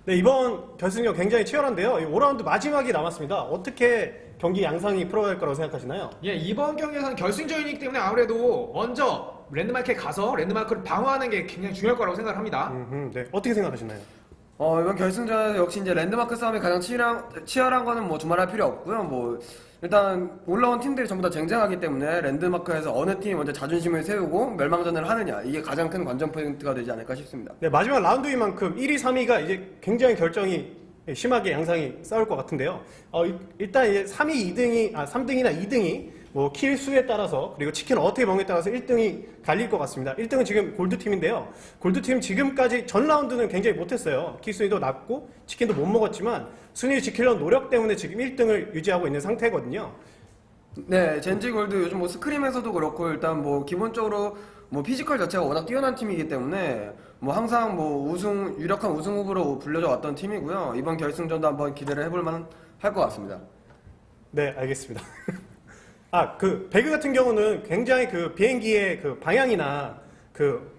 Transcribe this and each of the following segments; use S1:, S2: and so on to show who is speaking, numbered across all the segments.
S1: 네, 이번 결승전 굉장히 치열한데요. 5라운드 마지막이 남았습니다. 어떻게 경기 양상이 풀어갈 거라고 생각하시나요?
S2: 예, 이번 경기에서는 결승전이기 때문에 아무래도 먼저 랜드마크에 가서 랜드마크를 방어하는 게 굉장히 중요할 거라고 생각을 합니다.
S1: 네. 어떻게 생각하시나요?
S3: 이번 결승전에서 역시 이제 랜드마크 싸움이 가장 치열한 거는 뭐 두말할 필요 없고요. 뭐 일단 올라온 팀들이 전부 다 쟁쟁하기 때문에 랜드마크에서 어느 팀이 먼저 자존심을 세우고 멸망전을 하느냐, 이게 가장 큰 관전 포인트가 되지 않을까 싶습니다.
S1: 네, 마지막 라운드인 만큼 1위, 3위가 이제 굉장히 결정이 심하게 양상이 싸울 것 같은데요. 일단 이제 3등이나 2등이 뭐 킬 수에 따라서, 그리고 치킨을 어떻게 먹느냐에 따라서 1등이 갈릴 것 같습니다. 1등은 지금 골드팀인데요. 골드팀 지금까지 전 라운드는 굉장히 못했어요. 킬 순위도 낮고 치킨도 못 먹었지만 순위를 지키려는 노력 때문에 지금 1등을 유지하고 있는 상태거든요.
S3: 네, 젠지 골드 요즘 뭐 스크림에서도 그렇고 일단 뭐 기본적으로 뭐 피지컬 자체가 워낙 뛰어난 팀이기 때문에 뭐 항상 뭐 유력한 우승 후보로 불려져 왔던 팀이고요. 이번 결승전도 한번 기대를 해볼 만할 것 같습니다.
S1: 네, 알겠습니다. 배그 같은 경우는 굉장히 그 비행기의 그 방향이나 그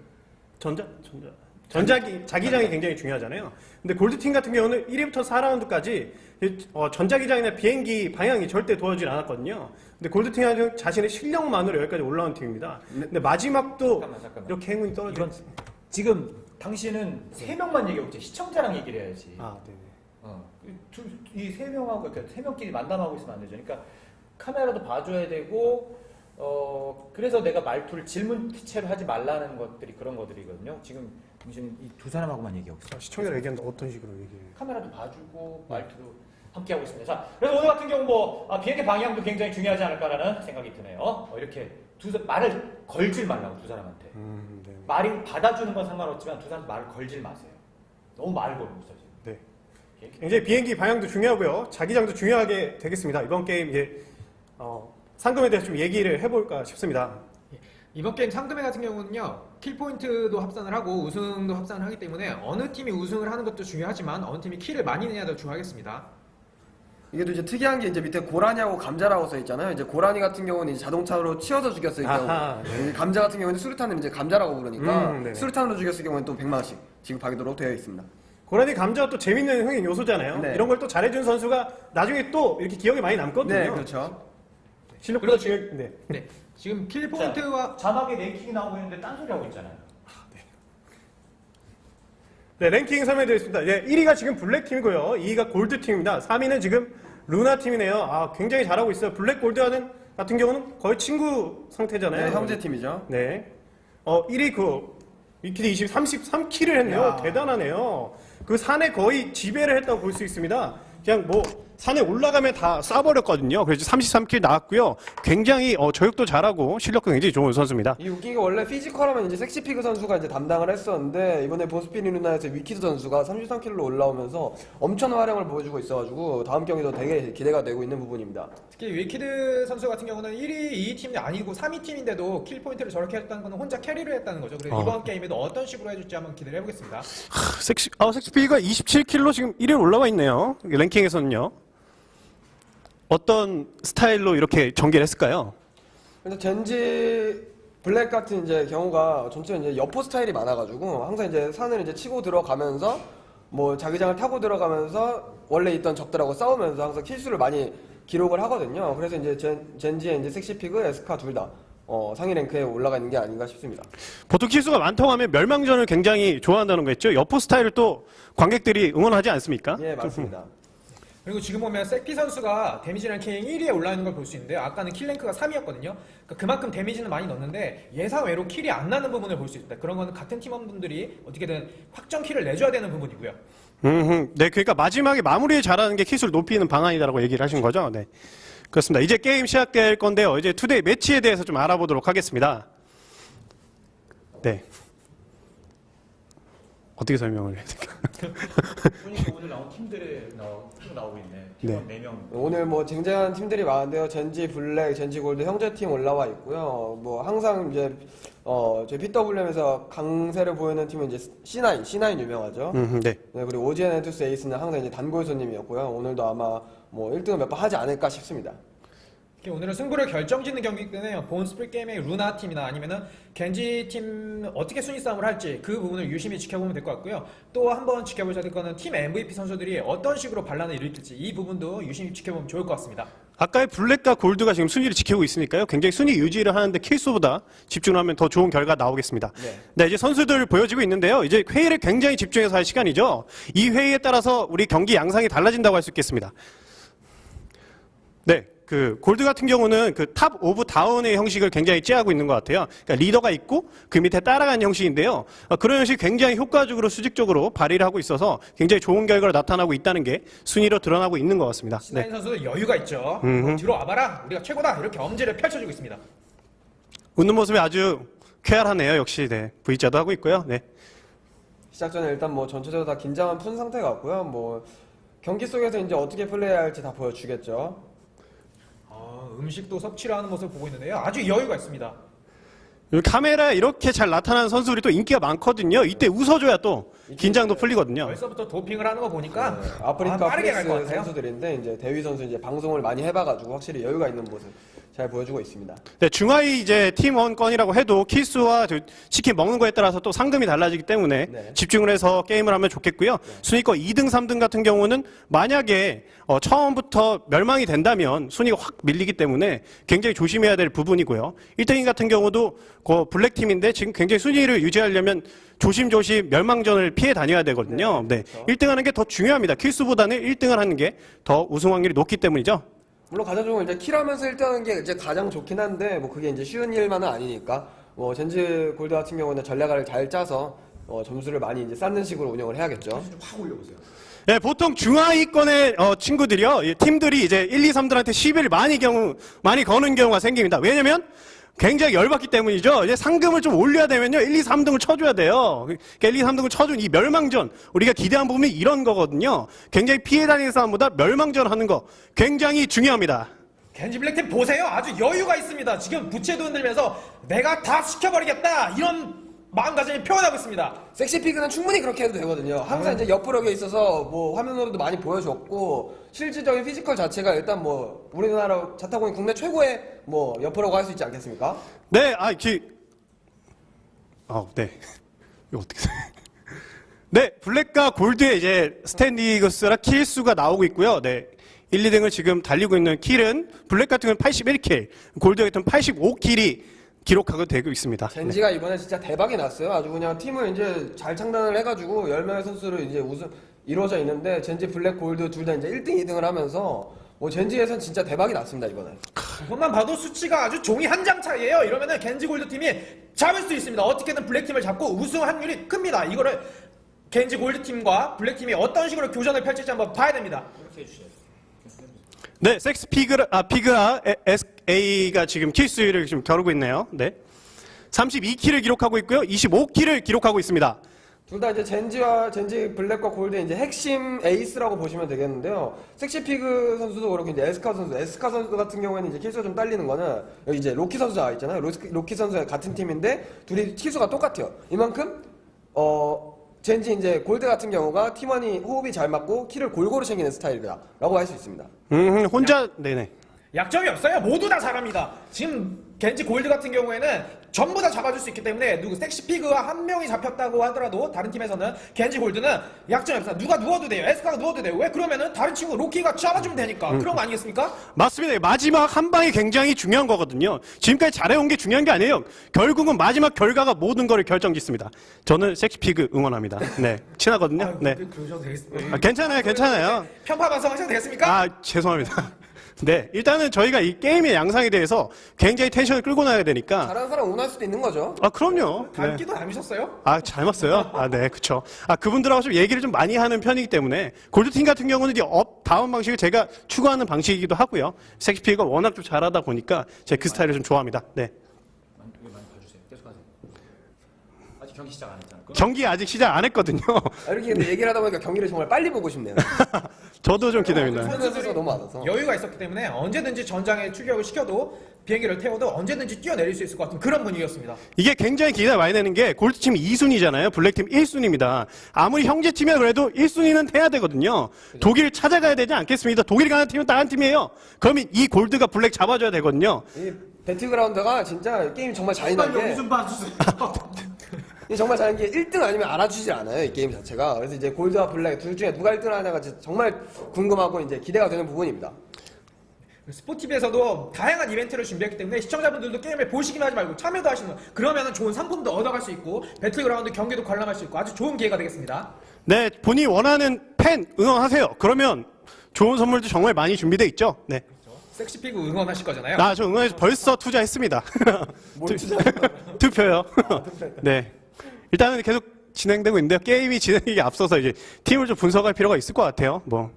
S1: 자기장이 굉장히 중요하잖아요. 근데 골드팀 같은 경우는 1위부터 4라운드까지 전자기장이나 비행기 방향이 절대 도와주질 않았거든요. 근데 골드팀은 자신의 실력만으로 여기까지 올라온 팀입니다. 근데 마지막도
S4: 잠깐만.
S1: 이렇게 행운이 떨어지고
S4: 이건 지금 당신은 세 명만 얘기하고 있지 시청자랑 얘기를 해야지.
S1: 네네.
S4: 이 세 명하고 그러니까 세 명끼리 만남하고 있으면 안 되죠. 그러니까 카메라도 봐줘야 되고 그래서 내가 말투를 질문체로 하지 말라는 것들이 그런 것들이거든요. 지금 당신은 이 두 사람하고만 얘기하고 있어요.
S1: 시청자를 얘기하는데 어떤 식으로 얘기해요?
S4: 카메라도 봐주고 말투도 함께 하고 있습니다. 자, 그래서 오늘 같은 경우 비행기 방향도 굉장히 중요하지 않을까라는 생각이 드네요. 이렇게 말을 걸질 말라고 두 사람한테.
S1: 네.
S4: 말이 받아주는 건 상관없지만 두 사람 말을 걸질 마세요. 너무 말을 걸고 있어 지금.
S1: 네. 굉장히 비행기 방향도 중요하고요. 자기장도 중요하게 되겠습니다. 이번 게임 이제 상금에 대해서 좀 얘기를 해볼까 싶습니다.
S2: 이번 게임 상금회 같은 경우는요, 킬 포인트도 합산을 하고 우승도 합산을 하기 때문에 어느 팀이 우승을 하는 것도 중요하지만 어느 팀이 킬을 많이 내야 더 중요하겠습니다.
S3: 이게 또 이제 특이한 게 이제 밑에 고라니하고 감자라고 써 있잖아요. 이제 고라니 같은 경우는 이제 자동차로 치워서 죽였을 경우,
S1: 네.
S3: 감자 같은 경우는 수류탄을 이제 감자라고 부르니까
S1: 네네.
S3: 수류탄으로 죽였을 경우는 또 100만 원씩 지급하도록 되어 있습니다.
S1: 고라니 감자가 또 재밌는 흥행 요소잖아요.
S3: 네.
S1: 이런 걸 또 잘해준 선수가 나중에 또 이렇게 기억에 많이 남거든요.
S3: 네, 그렇죠.
S1: 실력보다 중요. 네.
S2: 네, 지금 킬 포인트와
S4: 자막에 랭킹이 나오고 있는데 딴소리 하고 있잖아요.
S1: 네, 랭킹 설명드리겠습니다. 네, 1위가 지금 블랙팀이고요. 2위가 골드팀입니다. 3위는 지금 루나팀이네요. 굉장히 잘하고 있어요. 블랙 골드 같은 경우는 거의 친구 상태잖아요.
S3: 네, 형제 팀이죠.
S1: 네. 1위 위키드 33킬을 했네요.
S2: 야.
S1: 대단하네요. 그 산에 거의 지배를 했다고 볼 수 있습니다. 그냥 뭐 산에 올라가면 다 쏴버렸거든요. 그래서 33킬 나왔고요. 굉장히 저격도 잘하고 실력도 굉장히 좋은 선수입니다.
S3: 이 웃긴 게 원래 피지컬하면 이제 섹시피그 선수가 이제 담당을 했었는데 이번에 보스피니 루나에서 위키드 선수가 33킬로 올라오면서 엄청난 활약을 보여주고 있어가지고 다음 경기도 되게 기대가 되고 있는 부분입니다.
S2: 특히 위키드 선수 같은 경우는 1위, 2위 팀이 아니고 3위 팀인데도 킬 포인트를 저렇게 했다는 것은 혼자 캐리를 했다는 거죠. 그래서 이번 게임에도 어떤 식으로 해줄지 한번 기대를 해보겠습니다.
S1: 섹시피가 27킬로 지금 1위에 올라와 있네요. 랭킹에서는요. 어떤 스타일로 이렇게 전개를 했을까요?
S3: 근데 젠지 블랙 같은 이제 경우가 전체는 이제 여포 스타일이 많아가지고 항상 이제 산을 이제 치고 들어가면서 뭐 자기장을 타고 들어가면서 원래 있던 적들하고 싸우면서 항상 킬수를 많이 기록을 하거든요. 그래서 이제 젠지의 이제 섹시피그, 에스카 둘 다 상위 랭크에 올라가 있는 게 아닌가 싶습니다.
S1: 보통 킬수가 많다고 하면 멸망전을 굉장히 좋아한다는 거겠죠? 여포 스타일을 또 관객들이 응원하지 않습니까?
S3: 예, 맞습니다.
S2: 그리고 지금 보면 세피 선수가 데미지 랭킹 1위에 올라 있는 걸 볼 수 있는데 아까는 킬 랭크가 3위였거든요. 그러니까 그만큼 데미지는 많이 넣었는데 예상외로 킬이 안 나는 부분을 볼 수 있다. 그런 거는 같은 팀원분들이 어떻게든 확정 킬을 내줘야 되는 부분이고요.
S1: 네, 그러니까 마지막에 마무리 잘하는 게 킬수를 높이는 방안이다라고 얘기를 하신 거죠? 네. 그렇습니다. 이제 게임 시작될 건데요. 이제 투데이 매치에 대해서 좀 알아보도록 하겠습니다. 네. 어떻게 설명을 해야 될까?
S4: 보니까 오늘 나온 팀들의 쭉 나오고 있네. 팀원 4명.
S3: 오늘 뭐 쟁쟁한 팀들이 많은데요. 젠지 블랙, 젠지 골드 형제팀 올라와 있고요. 뭐 항상 이제 저희 PWM에서 강세를 보이는 팀은 이제 C9 유명하죠.
S1: 네.
S3: 네, 그리고 오지엔 엔투스 에이스는 항상 이제 단골 손님이었고요. 오늘도 아마 뭐 1등을 몇 번 하지 않을까 싶습니다.
S2: 오늘은 승부를 결정짓는 경기이기 때문에 본 스플릿 게임의 루나 팀이나 아니면은 겐지 팀 어떻게 순위 싸움을 할지 그 부분을 유심히 지켜보면 될 것 같고요. 또 한번 지켜보셔야 될 거는 팀 MVP 선수들이 어떤 식으로 반란을 일으킬지 이 부분도 유심히 지켜보면 좋을 것 같습니다.
S1: 아까의 블랙과 골드가 지금 순위를 지키고 있으니까요. 굉장히 순위 유지를 하는데 킬수보다 집중하면 더 좋은 결과 나오겠습니다. 네, 이제 선수들 보여지고 있는데요. 이제 회의를 굉장히 집중해서 할 시간이죠. 이 회의에 따라서 우리 경기 양상이 달라진다고 할 수 있겠습니다. 네. 그 골드 같은 경우는 그 탑 오브 다운의 형식을 굉장히 찌하고 있는 것 같아요. 그러니까 리더가 있고 그 밑에 따라가는 형식인데요. 그런 형식이 굉장히 효과적으로 수직적으로 발휘를 하고 있어서 굉장히 좋은 결과가 나타나고 있다는 게 순위로 드러나고 있는 것 같습니다.
S2: 신하인 선수도 여유가 있죠. 뒤로 와봐라, 우리가 최고다 이렇게 엄지를 펼쳐주고 있습니다.
S1: 웃는 모습이 아주 쾌활하네요. 역시 네. V자도 하고 있고요. 네.
S3: 시작 전에 일단 뭐 전체적으로 다 긴장은 푼 상태 같고요. 뭐 경기 속에서 이제 어떻게 플레이해야 할지 다 보여주겠죠.
S2: 음식도 섭취를 하는 모습을 보고 있는데요. 아주 여유가 있습니다.
S1: 카메라에 이렇게 잘 나타나는 선수들이 또 인기가 많거든요. 이때 웃어줘야 또 긴장도 풀리거든요.
S2: 벌써부터 도핑을 하는 거 보니까
S3: 아프리카
S2: 빠르게 갈 것
S3: 프레스
S2: 같아요.
S3: 선수들인데 이제 대위 선수 이제 방송을 많이 해봐가지고 확실히 여유가 있는 모습 잘 보여주고 있습니다.
S1: 네, 중하위 이제 팀원권이라고 해도 킬수와 치킨 먹는 거에 따라서 또 상금이 달라지기 때문에
S3: 네.
S1: 집중을 해서 게임을 하면 좋겠고요. 순위권 2등, 3등 같은 경우는 만약에 처음부터 멸망이 된다면 순위가 확 밀리기 때문에 굉장히 조심해야 될 부분이고요. 1등인 같은 경우도 그 블랙팀인데 지금 굉장히 순위를 유지하려면 조심조심 멸망전을 피해 다녀야 되거든요. 네,
S3: 그렇죠.
S1: 1등 하는 게 더 중요합니다. 킬수보다는 1등을 하는 게 더 우승 확률이 높기 때문이죠.
S3: 물론 가장 좋은 건 이제 킬하면서 1등하는 게 이제 가장 좋긴 한데 뭐 그게 이제 쉬운 일만은 아니니까 뭐 젠지 골드 같은 경우는 전략을 잘 짜서 점수를 많이 이제 쌓는 식으로 운영을 해야겠죠.
S4: 확 올려보세요.
S1: 네, 보통 중하위권의 친구들이요, 이 팀들이 이제 1, 2, 3들한테 시비를 많이 거는 경우가 생깁니다. 왜냐면 굉장히 열받기 때문이죠. 이제 상금을 좀 올려야 되면요, 1, 2, 3등을 쳐줘야 돼요. 그러니까 1, 2, 3등을 쳐준 이 멸망전, 우리가 기대한 부분이 이런 거거든요. 굉장히 피해 다니는 싸움보다 멸망전 하는 거 굉장히 중요합니다.
S2: 겐지 블랙팀 보세요. 아주 여유가 있습니다. 지금 부채도 흔들면서 내가 다 시켜버리겠다 이런 마음가짐을 표현하고 있습니다.
S3: 섹시피그는 충분히 그렇게 해도 되거든요. 항상 이제 옆구력에 있어서 뭐 화면으로도 많이 보여줬고 실질적인 피지컬 자체가 일단 뭐 우리나라 자타공인 국내 최고의 뭐 옆으로고 할 수 있지 않겠습니까?
S1: 네, 네. 이거 어떻게 네, 블랙과 골드의 이제 스탠디그스라 킬 수가 나오고 있고요. 네. 1, 2등을 지금 달리고 있는 킬은 블랙 같은 경우는 81킬, 골드 같은 경우는 85킬이 기록하고 되고 있습니다.
S3: 젠지가 이번에 진짜 대박이 났어요. 아주 그냥 팀을 이제 잘 창단을 해가지고 10명의 선수를 이제 이루어져 있는데 젠지 블랙 골드 둘 다 이제 1등, 2등을 하면서 뭐 젠지에선 진짜 대박이 났습니다 이번에.
S2: 그것만 봐도 수치가 아주 종이 한 장 차이에요. 이러면은 겐지 골드 팀이 잡을 수 있습니다. 어떻게든 블랙 팀을 잡고 우승 확률이 큽니다. 이거를 겐지 골드 팀과 블랙 팀이 어떤 식으로 교전을 펼칠지 한번 봐야 됩니다.
S4: 이렇게 해주셔야죠.
S1: 네, 피그라 SA가 지금 킬 수율을 지금 겨루고 있네요. 네. 32킬을 기록하고 있고요. 25킬을 기록하고 있습니다.
S3: 둘 다 이제 젠지 블랙과 골드의 이제 핵심 에이스라고 보시면 되겠는데요. 섹시피그 선수도 그렇고 이제 에스카 선수 같은 경우에는 이제 킬수가 좀 딸리는 거는 여기 이제 로키 선수가 있잖아요. 로키 선수가 같은 팀인데 둘이 킬수가 똑같아요. 이만큼 젠지 이제 골드 같은 경우가 팀원이 호흡이 잘 맞고 킬을 골고루 챙기는 스타일이다라고 할 수 있습니다.
S1: 혼자 네네.
S2: 약점이 없어요. 모두 다 잘합니다. 지금 겐지 골드 같은 경우에는 전부 다 잡아줄 수 있기 때문에 섹시피그와 한 명이 잡혔다고 하더라도 다른 팀에서는 겐지 골드는 약점이 없어요. 누가 누워도 돼요. 에스카가 누워도 돼요. 왜 그러면은 다른 친구 로키가 잡아주면 되니까 그런 거 아니겠습니까?
S1: 맞습니다. 마지막 한 방이 굉장히 중요한 거거든요. 지금까지 잘해온 게 중요한 게 아니에요. 결국은 마지막 결과가 모든 걸 결정짓습니다. 저는 섹시피그 응원합니다. 네, 친하거든요. 네,
S2: 그러셔도 되겠습니다.
S1: 괜찮아요.
S2: 편파 방송하셔도 되겠습니까?
S1: 아, 죄송합니다. 네, 일단은 저희가 이 게임의 양상에 대해서 굉장히 텐션을 끌고 나야 되니까.
S3: 잘하는 사람 응원할 수도 있는 거죠.
S1: 아, 그럼요. 네.
S2: 닮기도 닮으셨어요?
S1: 아, 잘 맞어요? 아, 네, 그쵸. 그분들하고 좀 얘기를 좀 많이 하는 편이기 때문에, 골드팀 같은 경우는 이제 다운 방식을 제가 추구하는 방식이기도 하고요. 섹시피가 워낙 좀 잘하다 보니까 제가 그 스타일을 좀 좋아합니다. 네.
S4: 많이 봐주세요. 계속하세요. 아직 경기 시작 안 했잖아.
S1: 경기 아직 시작 안 했거든요.
S3: 이렇게 근데 얘기를 하다 보니까 경기를 정말 빨리 보고 싶네요.
S1: 저도 좀 기대됩니다.
S3: 선수가 너무 많아서.
S2: 여유가 있었기 때문에 언제든지 전장에 출격을 시켜도 비행기를 태워도 언제든지 뛰어내릴 수 있을 것 같은 그런 분위기였습니다.
S1: 이게 굉장히 기대가 많이 되는 게 골드팀 2순위잖아요. 블랙팀 1순위입니다. 아무리 형제팀이라 그래도 1순위는 해야 되거든요. 독일 찾아가야 되지 않겠습니다. 독일 가는 팀은 다른 팀이에요. 그러면 이 골드가 블랙 잡아줘야 되거든요.
S3: 이 배틀그라운드가 진짜 게임 정말 잔인한 게
S4: 좀 봐주세요.
S3: 이 정말 잘하는 게 1등 아니면 알아주질 않아요, 이 게임 자체가. 그래서 이제 골드와 블랙 둘 중에 누가 1등을 하냐가 진짜 정말 궁금하고 이제 기대가 되는 부분입니다.
S2: 스포티비에서도 다양한 이벤트를 준비했기 때문에 시청자분들도 게임을 보시기만 하지 말고 참여도 하시는 그러면 좋은 상품도 얻어갈 수 있고 배틀그라운드 경기도 관람할 수 있고 아주 좋은 기회가 되겠습니다.
S1: 네, 본인이 원하는 팬 응원하세요. 그러면 좋은 선물도 정말 많이 준비되어 있죠. 네.
S2: 섹시피그 응원하실 거잖아요.
S1: 저 응원해서 벌써 투자했습니다.
S3: 뭘
S1: 투표요. 네. 일단은 계속 진행되고 있는데요. 게임이 진행이 앞서서 이제 팀을 좀 분석할 필요가 있을 것 같아요. 뭐.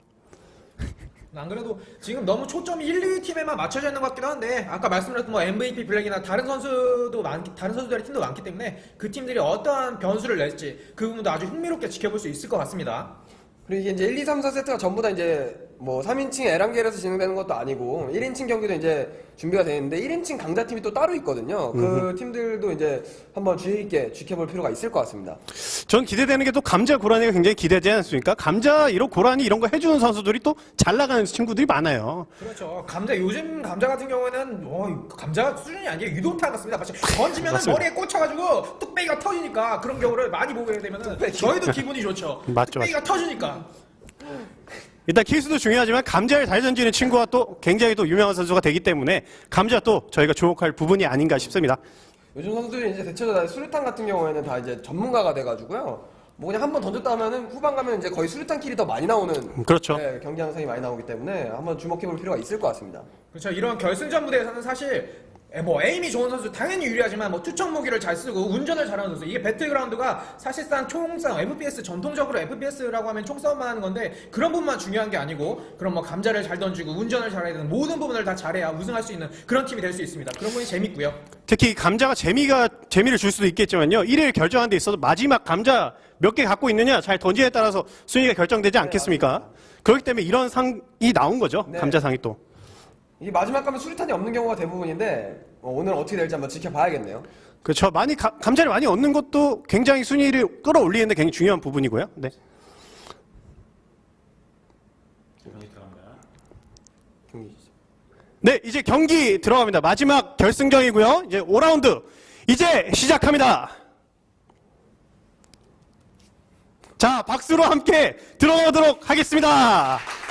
S2: 안 그래도 지금 너무 초점이 1, 2위 팀에만 맞춰져 있는 것 같기도 한데 아까 말씀드렸던 뭐 MVP 블랙이나 다른 선수들의 팀도 많기 때문에 그 팀들이 어떠한 변수를 낼지 그 부분도 아주 흥미롭게 지켜볼 수 있을 것 같습니다.
S3: 그리고 이게 이제 1, 2, 3, 4세트가 전부 다 이제 뭐 3인칭 에란겔에서 진행되는 것도 아니고 1인칭 경기도 이제 준비가 되는데 1인칭 강자팀이 또 따로 있거든요. 그 팀들도 이제 한번 주의 있게 지켜볼 필요가 있을 것 같습니다.
S1: 전 기대되는 게 또 감자 고라니가 굉장히 기대되지 않습니까? 감자 이런 고라니 이런 거 해주는 선수들이 또 잘 나가는 친구들이 많아요.
S2: 그렇죠. 요즘 감자 같은 경우에는 감자 수준이 아니에요. 유도타 같습니다. 마치 던지면
S1: 맞습니다.
S2: 머리에 꽂혀가지고 뚝배기가 터지니까 그런 경우를 많이 보게 되면은 저희도 기분이 좋죠.
S1: 맞죠,
S2: 뚝배기가 터지니까.
S1: 일단 킬수도 중요하지만 감자를 잘 던지는 친구가 또 굉장히 또 유명한 선수가 되기 때문에 감자 또 저희가 주목할 부분이 아닌가 싶습니다.
S3: 요즘 선수들이 이제 대체로 다 수류탄 같은 경우에는 다 이제 전문가가 돼가지고요. 뭐 그냥 한번 던졌다 하면은 후반 가면 이제 거의 수류탄 킬이 더 많이 나오는
S1: 그렇죠.
S3: 네, 경기 양상이 많이 나오기 때문에 한번 주목해볼 필요가 있을 것 같습니다.
S2: 그렇죠. 이런 결승전 무대에서는 사실 에임이 좋은 선수 당연히 유리하지만 투척 무기를 잘 쓰고 운전을 잘하는 선수 이게 배틀그라운드가 사실상 총싸움 FPS 전통적으로 FPS라고 하면 총싸움만 하는 건데 그런 부분만 중요한 게 아니고 그런 뭐 감자를 잘 던지고 운전을 잘해야 되는 모든 부분을 다 잘해야 우승할 수 있는 그런 팀이 될 수 있습니다. 그런 부분이 재밌고요.
S1: 특히 감자가 재미를 줄 수도 있겠지만요. 1위를 결정하는 데 있어서 마지막 감자 몇 개 갖고 있느냐 잘 던지에 따라서 순위가 결정되지 않겠습니까? 그렇기 때문에 이런 상이 나온 거죠.
S3: 네.
S1: 감자상이 또.
S3: 이게 마지막 가면 수류탄이 없는 경우가 대부분인데 오늘 어떻게 될지 한번 지켜봐야겠네요.
S1: 그렇죠. 감자를 많이 얻는 것도 굉장히 순위를 끌어올리는데 굉장히 중요한 부분이고요. 네. 네, 이제 경기 들어갑니다. 마지막 결승전이고요. 이제 5라운드 이제 시작합니다. 자, 박수로 함께 들어오도록 하겠습니다.